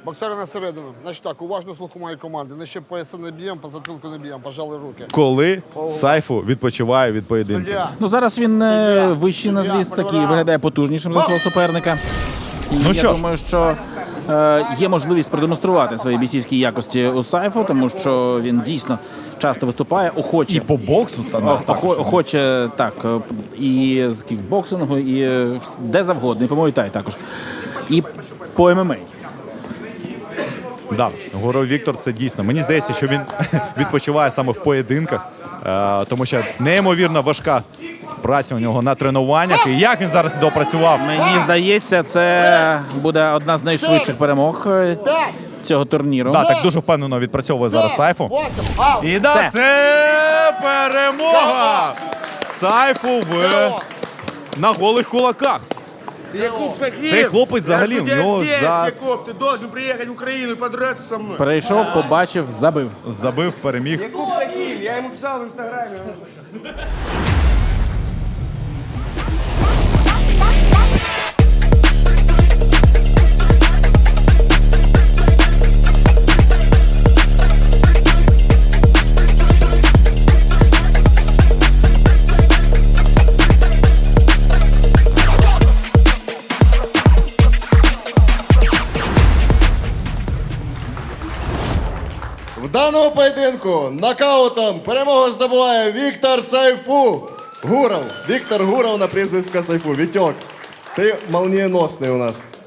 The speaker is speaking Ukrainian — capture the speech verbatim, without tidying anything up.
Боксери на середину. Значить так, уважно слуху моєї команди. Нижче пояса не б'ємо, по затилку не б'ємо, пожали руки. Коли Сайфу відпочиває від поєдинку? Суддя. Ну зараз він е, вищий на зріст, такий виглядає потужнішим за свого суперника. І Ну я що ж. думаю, що е, є можливість продемонструвати свої бійцівські якості у Сайфу, тому що він дійсно часто виступає, охоче. І по боксу та Охо- охо- Охоче так, е, і з кікбоксингу, і е, вс- де завгодно, і по Муай-Тай також. І по ем ем а. Да, Гуров Віктор це дійсно. Мені здається, що він відпочиває саме в поєдинках, е, тому що неймовірно важка праця у нього на тренуваннях. І як він зараз допрацював? Мені здається, це буде одна з найшвидших перемог е, цього турніру. Да, так дуже впевнено відпрацьовує зараз Сайфу. Восемь, аут. І да, Це. це перемога Сайфу в на голих кулаках. Якуб Сахів! Цей хлопець взагалі, Я в жду нього тебя здесь, за- Якуб, ти должен приїхати в Україну і подраться со мною. Перейшов, побачив, забив. Забив, переміг. Якуб Сахів, я йому писав в інстаграмі. В даному поєдинку нокаутом перемогу здобуває Віктор Сайфу. Гуров. Віктор Гуров на прізвисько Сайфу. Вітьок, ти молнієносний у нас.